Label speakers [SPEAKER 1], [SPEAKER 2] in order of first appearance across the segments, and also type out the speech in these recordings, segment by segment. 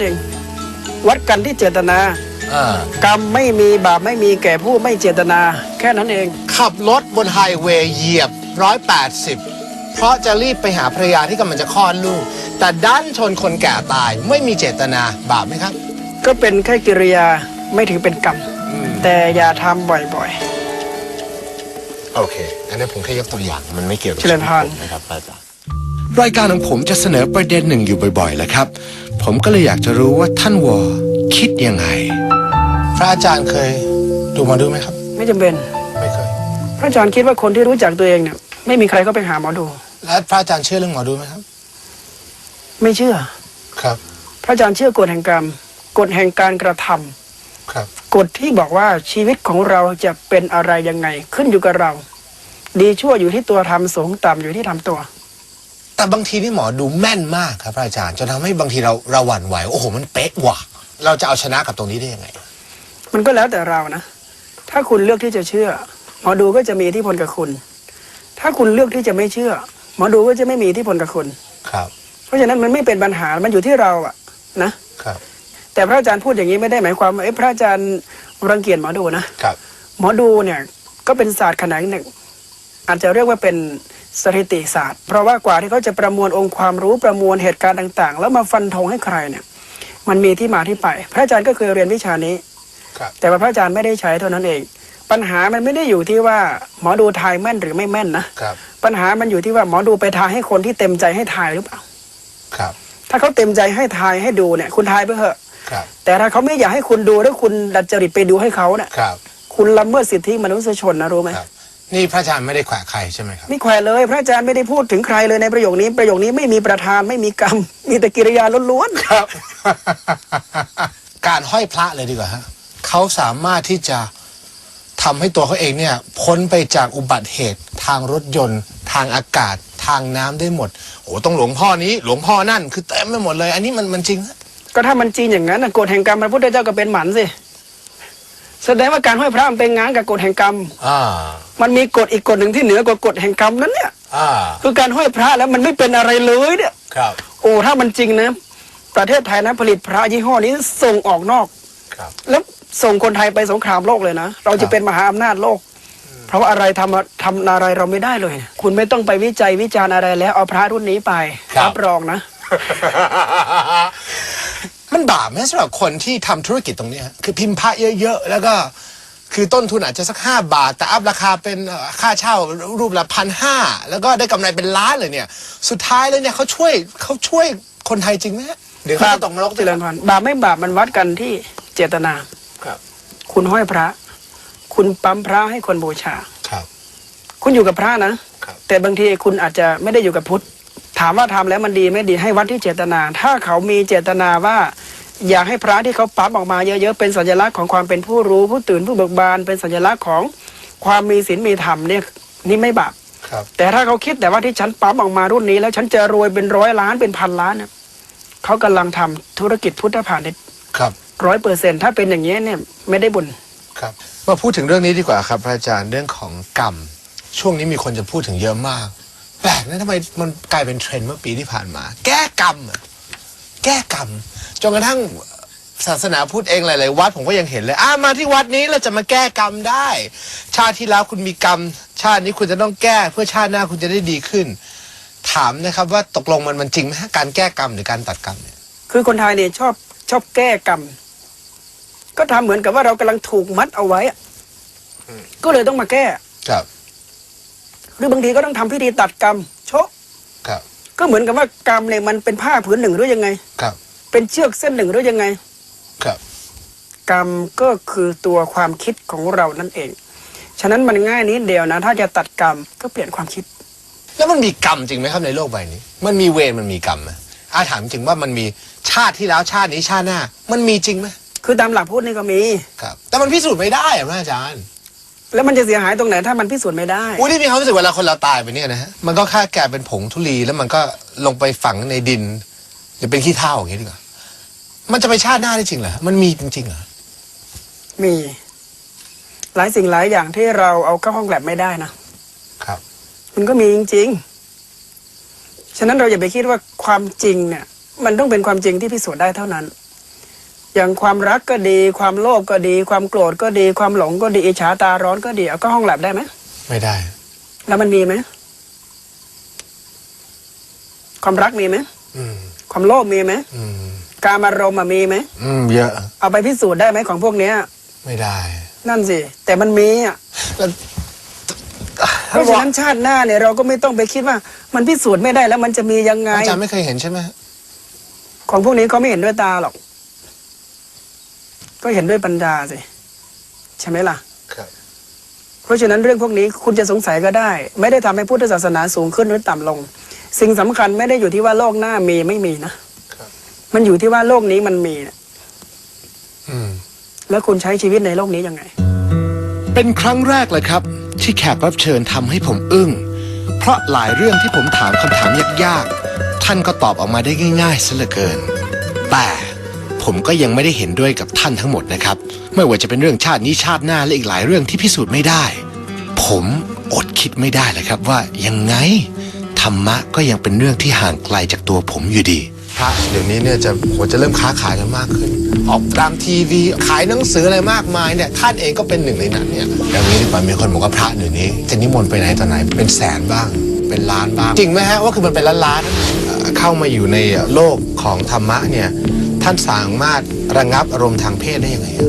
[SPEAKER 1] นั้นเองวัดกันที่เจตนากรรมไม่มีบาปไม่มีแก่ผู้ไม่เจตนาแค่นั้นเอง
[SPEAKER 2] ขับรถบนไฮเวย์เหยียบ180เพราะจะรีบไปหาภรรยาที่กำลังจะคลอดลูกแต่ดันชนคนแก่ตายไม่มีเจตนาบาปไหมครับ
[SPEAKER 1] ก็เป็นแค่กิริยาไม่ถือเป็นกรรมแต่อย่าทำบ่อย
[SPEAKER 2] ๆโอเคอันนี้ผมแค่ยกตัวอย่างมันไม่เกี่ยวกับ
[SPEAKER 1] ชีวิตผม
[SPEAKER 2] นะครับอาจารย์รายการของผมจะเสนอประเด็นหนึ่งอยู่บ่อยๆแหละครับผมก็เลยอยากจะรู้ว่าท่านวอคิดยังไงพระอาจารย์เคยดูมาดูไหมครับ
[SPEAKER 1] ไม่จำเป็น
[SPEAKER 2] ไม่เคย
[SPEAKER 1] พระอาจารย์คิดว่าคนที่รู้จักตัวเองเนี่ยไม่มีใครก็ไปหาหมอดู
[SPEAKER 2] แล้วพระอาจารย์เชื่อเรื่องหมอดูไหมครับ
[SPEAKER 1] ไม่เชื่อ
[SPEAKER 2] ครับ
[SPEAKER 1] พระอาจารย์เชื่อกฎแห่งกรรมกฎแห่งการกระทำ
[SPEAKER 2] ครับ
[SPEAKER 1] กฎที่บอกว่าชีวิตของเราจะเป็นอะไรยังไงขึ้นอยู่กับเราดีชั่วอยู่ที่ตัวทำสูงต่ำอยู่ที่ทำตัว
[SPEAKER 2] แต่บางทีนี่หมอดูแม่นมากครับพระอาจารย์จนทำให้บางทีเราหวั่นไหวโอ้โหมันเป๊ะว่ะเราจะเอาชนะกับตรงนี้ได้ยังไง
[SPEAKER 1] มันก็แล้วแต่เรานะถ้าคุณเลือกที่จะเชื่อหมอดูก็จะมีอิทธิพลกับคุณถ้าคุณเลือกที่จะไม่เชื่อหมอดูก็จะไม่มีอิทธิพลกับคุณ
[SPEAKER 2] ครับ
[SPEAKER 1] เพราะฉะนั้นมันไม่เป็นปัญหามันอยู่ที่เราอะนะครับแต่พระอาจารย์พูดอย่างนี้ไม่ได้หมายความว่าพระอาจารย์รังเกียจหมอดูนะครับหมอดูเนี่ยก็เป็นศาสตร์แขนงหนึ่งอาจจะเรียกว่าเป็นสถิติศาสตร์เพราะว่ากว่าที่เขาจะประมวลองค์ความรู้ประมวลเหตุการณ์ต่างๆแล้วมาฟันธงให้ใครเนี่ยมันมีที่มาที่ไปพระอาจารย์ก็เคยเรียนวิชานี้แต่ว่าพระอาจารย์ไม่ได้ใช้เท่านั้นเองปัญหามันไม่ได้อยู่ที่ว่าหมอดูทายแม่นหรือไม่แม่นนะปัญหามันอยู่ที่ว่าหมอดูไปทายให้คนที่เต็มใจให้ทายหรือเปล่าถ้าเขาเต็มใจให้ทายให้ดูเนี่ยคุณทายไปเถอะแต่ถ้าเขาไม่อยากให้คุณดูแล้วคุณดัดจริตไปดูให้เขาเนี่ยคุณละเมิดสิทธิมนุษยชนนะรู้ไหม
[SPEAKER 2] นี่พระอาจารย์ไม่ได้แขวะใครใช่ไหมครับ
[SPEAKER 1] ไม่แขวะเลยพระอาจารย์ไม่ได้พูดถึงใครเลยในประโยคนี้ไม่มีประธานไม่มีกรรมมีแต่กิริยาล้วน
[SPEAKER 2] ๆครับ การห้อยพระเลยดีกว่าฮะเขาสามารถที่จะทำให้ตัวเขาเองเนี่ยพ้นไปจากอุบัติเหตุทางรถยนต์ทางอากาศทางน้ำได้หมดโอ้ต้องหลวงพ่อนี้หลวงพ่อนั่นคือเต็มไปหมดเลยอันนี้มันจริง
[SPEAKER 1] ก็ถ้ามันจริงอย่างนั้นกฎแห่งกรรมพระพุทธเจ้าก็เป็นหมันสิแสดงว่าการห้อยพระมันเป็นงานกับกฎแห่งกรรมมันมีกฎอีกกฎหนึ่งที่เหนือกว่ากฎแห่งกรรมนั้นเนี่ยคือการห้อยพระแล้วมันไม่เป็นอะไรเลยเนี่ยโอ้ถ้ามันจริงนะประเทศไทยนะผลิตพระยี่ห้อนี้ส่งออกนอกแล้วส่งคนไทยไปสงครามโลกเลยนะเราจะเป็นมหาอำนาจโลกเพราะว่าอะไรทำอะไรเราไม่ได้เลยคุณไม่ต้องไปวิจัยวิจารณ์อะไรแล้วเอาพระรุ่นนี้ไปรับรองนะ
[SPEAKER 2] มันบาปไหมสำหรับคนที่ทำธุรกิจตรงนี้คือพิมพ์พระเยอะๆแล้วก็คือต้นทุนอาจจะสัก5 บาทแต่อัพราคาเป็นค่าเช่ารูปละ1,500แล้วก็ได้กำไรเป็นล้านเลยเนี่ยสุดท้ายเลยเนี่ยเขาช่วยคนไทยจริงไหมเดี๋ยวเขาตกนรก
[SPEAKER 1] เจริญพรบาปไม่บาปมันวัดกันที่เจตนาคุณห้อยพระคุณปั๊มพระให้คนบูชาคุณอยู่กับพระนะแต่บางทีคุณอาจจะไม่ได้อยู่กับพุทธถามว่าทำแล้วมันดีไม่ดีให้วัดที่เจตนาถ้าเขามีเจตนาว่าอยากให้พระที่เขาปั๊มออกมาเยอะๆเป็นสัญลักษณ์ของความเป็นผู้รู้ผู้ตื่นผู้เบิกบานเป็นสัญลักษณ์ของความมีศีลมีธรรมเนี่ยนี่ไม่บาปแต่ถ้าเขาคิดแต่ว่าที่ฉันปั๊มออกมารุ่นนี้แล้วฉันจะรวยเป็น100 ล้านเป็น1,000 ล้านเนี่ยเขากำลังทำธุรกิจพุทธพาณิชย์100%ถ้าเป็นอย่างนี้เนี่ยไม่ได้บุญ
[SPEAKER 2] ครับมาพูดถึงเรื่องนี้ดีกว่าครับพระอาจารย์เรื่องของกรรมช่วงนี้มีคนจะพูดถึงเยอะมากแปลกนะทำไมมันกลายเป็นเทรนด์เมื่อปีที่ผ่านมาแก้กรรมแก้กรรมจนกระทั่งศาสนาพุทธเองหลายๆวัดผมก็ยังเห็นเลยมาที่วัดนี้เราจะมาแก้กรรมได้ชาติที่แล้วคุณมีกรรมชาตินี้คุณจะต้องแก้เพื่อชาติหน้าคุณจะได้ดีขึ้นถามนะครับว่าตกลงมันจริงไหมการแก้กรรมหรือการตัดกรรมเนี่ย
[SPEAKER 1] คือคนไทยเนี่ยชอบแก้กรรมก็ทำเหมือนกับว่าเรากำลังถูกมัดเอาไว้ก็เลยต้องมาแก้
[SPEAKER 2] ครับ
[SPEAKER 1] หรือบางทีก็ต้องทำพิธีตัดกรรมโชคก็เหมือนกับว่ากรรมเนี่ยมันเป็นผ้าผืนหนึ่งหรือยังไงเป็นเชือกเส้นหนึ่งหรือยังไงกรรมก็คือตัวความคิดของเรานั่นเองฉะนั้นมันง่ายนิดเดียวนะถ้าจะตัดกรรมก็เปลี่ยนความคิด
[SPEAKER 2] แล้วมันมีกรรมจริงไหมครับในโลกใบนี้มันมีเวรมันมีกรรมไหมถามจริงว่ามันมีชาติที่แล้วชาตินี้ชาติหน้ามันมีจริงไหม
[SPEAKER 1] คือตามหลักพุทธนี่ก็มี
[SPEAKER 2] ครับแต่มันพิสูจน์ไม่ได้พระอาจารย์
[SPEAKER 1] แล้วมันจะเสียหายตรงไหนถ้ามันพิสูจน์ไม่ได้
[SPEAKER 2] ที่มีความรู้สึกเวลาคนเราตายไปเนี่ยนะฮะมันก็แค่แก่เป็นผงธุลีแล้วมันก็ลงไปฝังในดินหรือเป็นขี้เถ้าอย่างนี้ดีกว่ามันจะไปชาติหน้าได้จริงเหรอมันมีจริงๆเหรอ
[SPEAKER 1] มีหลายสิ่งหลายอย่างที่เราเอาเข้าห้องแลบไม่ได้นะครับมันก็มีจริงๆฉะนั้นเราอย่าไปคิดว่าความจริงเนี่ยมันต้องเป็นความจริงที่พิสูจน์ได้เท่านั้นอย่างความรักก็ดี ความโลภก็ดี ความโกรธก็ดี ความหลงก็ดีอิจฉาตาร้อนก็ดีเอาก็ห้องแลบได้ไหม
[SPEAKER 2] ไม่ได้
[SPEAKER 1] แล้วมันมีไหมความรักมีไหม
[SPEAKER 2] อืม
[SPEAKER 1] ความโลภมีไหม
[SPEAKER 2] อืม
[SPEAKER 1] การอารมณ์อะมีไหม
[SPEAKER 2] เยอะ
[SPEAKER 1] เอาไปพิสูจน์ได้ไหมของพวกเนี้ย
[SPEAKER 2] ไม่ได้
[SPEAKER 1] นั่นสิแต่มันมีอ่ะ
[SPEAKER 2] แล้ว
[SPEAKER 1] เพราะฉะนั้นชาติหน้าเนี่ยเราก็ไม่ต้องไปคิดว่า มันพิสูจน์ไม่ได้แล้วมันจะมียังไง
[SPEAKER 2] อาจารย์ไม่เคยเห็นใช่ไหม
[SPEAKER 1] ของพวกนี้เขาไม่เห็นด้วยตาหรอก ก็เห็นด้วยปัญญาสิใช่ไหมล่ะ
[SPEAKER 2] ครับ
[SPEAKER 1] เพราะฉะนั้นเรื่องพวกนี้คุณจะสงสัยก็ได้ ไม่ได้ทำให้พุทธศาสนาสูงขึ้นหรือต่ำลง สิ่งสำคัญไม่ได้อยู่ที่ว่าโลกหน้ามีไม่มีนะครับ มันอยู่ที่ว่าโลกนี้มันมีนะ
[SPEAKER 2] อืม
[SPEAKER 1] แล้วคุณใช้ชีวิตในโลกนี้ยังไง
[SPEAKER 2] เป็นครั้งแรกเลยครับ ที่แขกรับเชิญทำให้ผมอึ้งเพราะหลายเรื่องที่ผมถามคำถามยากๆท่านก็ตอบออกมาได้ง่ายๆซะเหลือเกิน แต่ผมก็ยังไม่ได้เห็นด้วยกับท่านทั้งหมดนะครับไม่ว่าจะเป็นเรื่องชาตินี้ชาติหน้าและอีกหลายเรื่องที่พิสูจน์ไม่ได้ ผมอดคิดไม่ได้เลยครับว่ายังไงธรรมะก็ยังเป็นเรื่องที่ห่างไกลจากตัวผมอยู่ดีพระเดี๋ยวนี้เนี่ยจะเริ่มค้าขายกันมากขึ้น ออกตามทีวีขายหนังสืออะไรมากมายเนี่ยท่านเองก็เป็นหนึ่งในนั้นเนี่ยอย่างนี้ดีกว่ามีคนบอกว่าพระเดี๋ยวนี้จะนิมนต์ไปไหนต่อไหนเป็นแสนบ้างเป็นล้านบ้างจริงไหมฮะว่าคือมันเป็นล้านๆเข้ามาอยู่ในโลกของธรรมะเนี่ยท่านสามารถระงับอารมณ์ทางเพศได้ยังไงอะ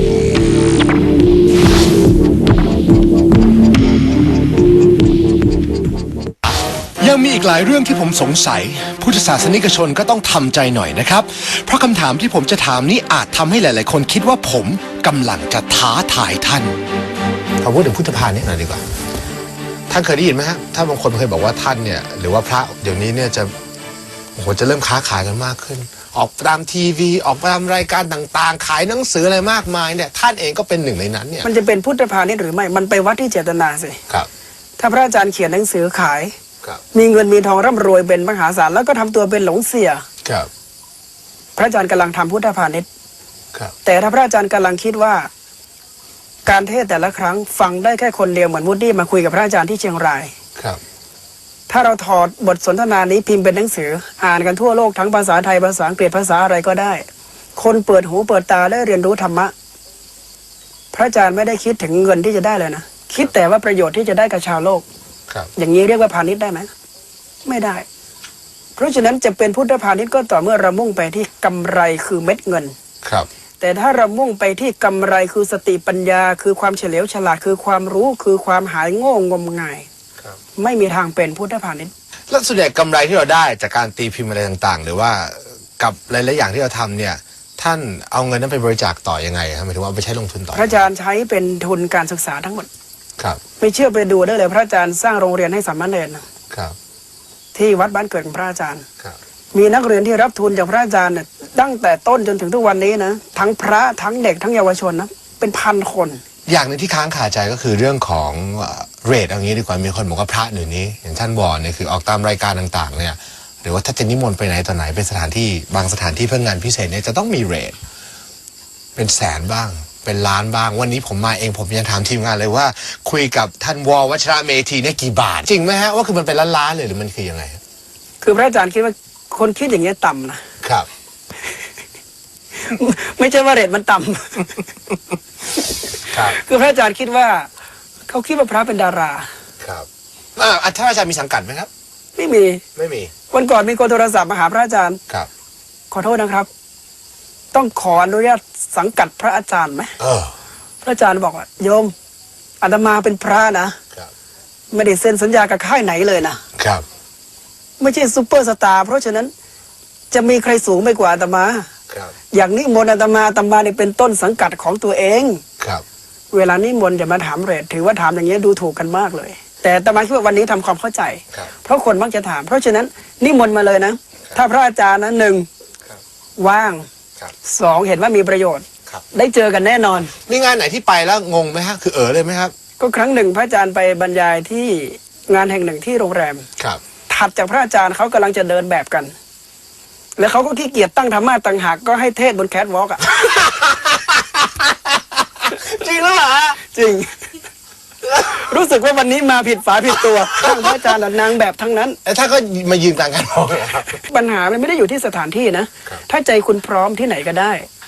[SPEAKER 2] ยังมีอีกหลายเรื่องที่ผมสงสัยพุทธศาสนิกชนก็ต้องทำใจหน่อยนะครับเพราะคำถามที่ผมจะถามนี้อาจทำให้หลายๆคนคิดว่าผมกำลังจะท้าทายท่านขอพูดถึงพุทธภาณิชย์หน่อยดีกว่าท่านเคยได้ยินไหมฮะถ้าบางคนเคยบอกว่าท่านเนี่ยหรือว่าพระเดี๋ยวนี้เนี่ยจะเริ่มค้าขายกันมากขึ้นออกตามทีวีออกตามรายการต่างๆขายหนังสืออะไรมากมายเนี่ยท่านเองก็เป็นหนึ่งในนั้นเนี่ย
[SPEAKER 1] มันจะเป็นพุทธพาณิชย์หรือไม่มันไปวัดที่เจตนาสิ
[SPEAKER 2] ครับ
[SPEAKER 1] ถ้าพระอาจารย์เขียนหนังสือขาย
[SPEAKER 2] ครับ
[SPEAKER 1] มีเงินมีทองร่ำรวยเป็นมหาศาลแล้วก็ทำตัวเป็นหลงเสีย
[SPEAKER 2] ครับ
[SPEAKER 1] พระอาจารย์กำลังทำพุทธพาณิชย์
[SPEAKER 2] ครับ
[SPEAKER 1] แต่ถ้าพระอาจารย์กำลังคิดว่า การเทศน์แต่ละครั้งฟังได้แค่คนเดียวเหมือนวูดดี้มาคุยกับพระอาจารย์ที่เชียงราย
[SPEAKER 2] ครับ
[SPEAKER 1] ถ้าเราถอดบทสนทนานี้พิมพ์เป็นหนังสือ อ่านกันทั่วโลกทั้งภาษาไทยภาษาอังกฤษภาษาอะไรก็ได้ คนเปิดหูเปิดตาได้เรียนรู้ธรรมะ พระอาจารย์ไม่ได้คิดถึงเงินที่จะได้เลยนะคิดแต่ว่าประโยชน์ที่จะได้กับชาวโลก
[SPEAKER 2] ครับ
[SPEAKER 1] อย่างนี้เรียกว่าพาณิชย์ได้ไหมไม่ได้ เพราะฉะนั้นจะเป็นพุทธพาณิชย์ก็ต่อเมื่อเรามุ่งไปที่กำไรคือเม็ดเงิน
[SPEAKER 2] ครับ
[SPEAKER 1] แต่ถ้าเรามุ่งไปที่กำไรคือสติปัญญา คือความเฉลียวฉลาดคือความรู้คือความหายโง่งมงาย
[SPEAKER 2] ครับ
[SPEAKER 1] ไม่มีทางเป็นพุทธพาณิชย์
[SPEAKER 2] แล้วส่วนใหญ่กำไรที่เราได้จากการตีพิมพ์อะไรต่างๆ หรือว่ากับหลายๆอย่างที่เราทำเนี่ยท่านเอาเงินนั้นไปบริจาคต่อยังไงครับหมายถึงว่าเอาไปใช้ลงทุนต่อ
[SPEAKER 1] พระอาจารย์ใช้เป็นทุนการศึกษาทั้งหมด
[SPEAKER 2] ครับ
[SPEAKER 1] ไม่เชื่อไปดูได้เลยพระอาจารย์สร้างโรงเรียนให้สามเณรนะครับ ที่วัดบ้านเกิดของพระอาจารย์
[SPEAKER 2] ครับ
[SPEAKER 1] มีนักเรียนที่รับทุนจากพระอาจารย์เนี่ยตั้งแต่ต้นจนถึงทุกวันนี้นะทั้งพระทั้งเด็กทั้งเยาวชนนะเป็นพันคน
[SPEAKER 2] อย่างหนึงที่ค้างคาใจก็คือเรื่องของเรทเอางี้ดีกว่ามีคนบอกว่าพระเดี๋ยวนี้อย่างท่านวอนเนี่ยคือออกตามรายการต่างๆเนี่ยหรือว่าถ้าจะนิมนต์ไปไหนต่อไหนเป็นสถานที่บางสถานที่เพื่องานพิเศษเนี่ยจะต้องมีเรทเป็นแสนบ้างเป็นล้านบ้างวันนี้ผมมาเองผมยังถามทีมงานเลยว่าคุยกับท่านววัชระเมธีเนี่ยกี่บาทจริงไหมฮะว่าคือมันเป็นล้านๆเลยหรือมันคือยังไง
[SPEAKER 1] คือพระอาจารย์คิดว่าคนคิดอย่างเงี้ยต่ำนะครับ ไม่ใช่ว่าเรทมันต่ำ
[SPEAKER 2] ครับ
[SPEAKER 1] คือพระอาจารย์คิดว่าเขาคิดว่าพระเป็นดารา
[SPEAKER 2] ครับท่านอาจารย์มีสังกัดไหมครับ
[SPEAKER 1] ไม่มี
[SPEAKER 2] ไม่มี
[SPEAKER 1] วันก่อนมีคนโทรศัพท์มาหาพระอาจารย์
[SPEAKER 2] ครับ
[SPEAKER 1] ขอโทษนะครับ ต้องขออนุญาตสังกัดพระอาจารย์ไหม พระอาจารย์บอกว่าโยมอาตมาเป็นพระนะครับ ไม่ได้เซ็นสัญญากับค่ายไหนเลยนะครับ ไม่ใช่ซูเปอร์สตาร์เพราะฉะนั้นจะมีใครสูงไปกว่าอาตมา
[SPEAKER 2] ครับ
[SPEAKER 1] อย่างนิมนต์อาตมาเนี่ยเป็นต้นสังกัดของตัวเอง
[SPEAKER 2] ครับ
[SPEAKER 1] เวลานิมนต์จะมาถามเรทถือว่าถามอย่างนี้ยดูถูกกันมากเลย แต่อาตมาคิดว่าวันนี้ทำความเข้าใจ
[SPEAKER 2] ครับ
[SPEAKER 1] เพราะคนมักจะถาม เพราะฉะนั้นนิมนต์มาเลยนะ ถ้าพระอาจารย์นะหนึ่ง
[SPEAKER 2] ครับ
[SPEAKER 1] ว่าง
[SPEAKER 2] ครับ
[SPEAKER 1] สองเห็นว่ามีประโยชน์
[SPEAKER 2] ครับ
[SPEAKER 1] ได้เจอกันแน่นอน
[SPEAKER 2] มีงานไหนที่ไปแล้วงงไหมฮะคือเลยไหมครับ
[SPEAKER 1] ก็ครั้งหนึ่งพระอาจารย์ไปบรรยายที่งานแห่งหนึ่งที่โรงแรม
[SPEAKER 2] ครับ
[SPEAKER 1] ถัดจากพระอาจารย์เขากำลังจะเดินแบบกัน แล้วเขาก็ขี้เกียจตั้งธรรมะต่างหากก็ให้เทศบนแคทวอล์กอ่ะ
[SPEAKER 2] จริงแล้วเหรอ
[SPEAKER 1] จริง รู้สึกว่าวันนี้มาผิดฝาผิดตัวทั้งพระอาจารย์และนางแบบทั้งนั้น
[SPEAKER 2] แล้วถ้าก็มายืนกลางกันมองเลยครับ
[SPEAKER 1] ปัญหามันไม่ได้อยู่ที่สถานที่นะ
[SPEAKER 2] ครับ
[SPEAKER 1] ถ้าใจคุณพร้อมที่ไหนก็ได้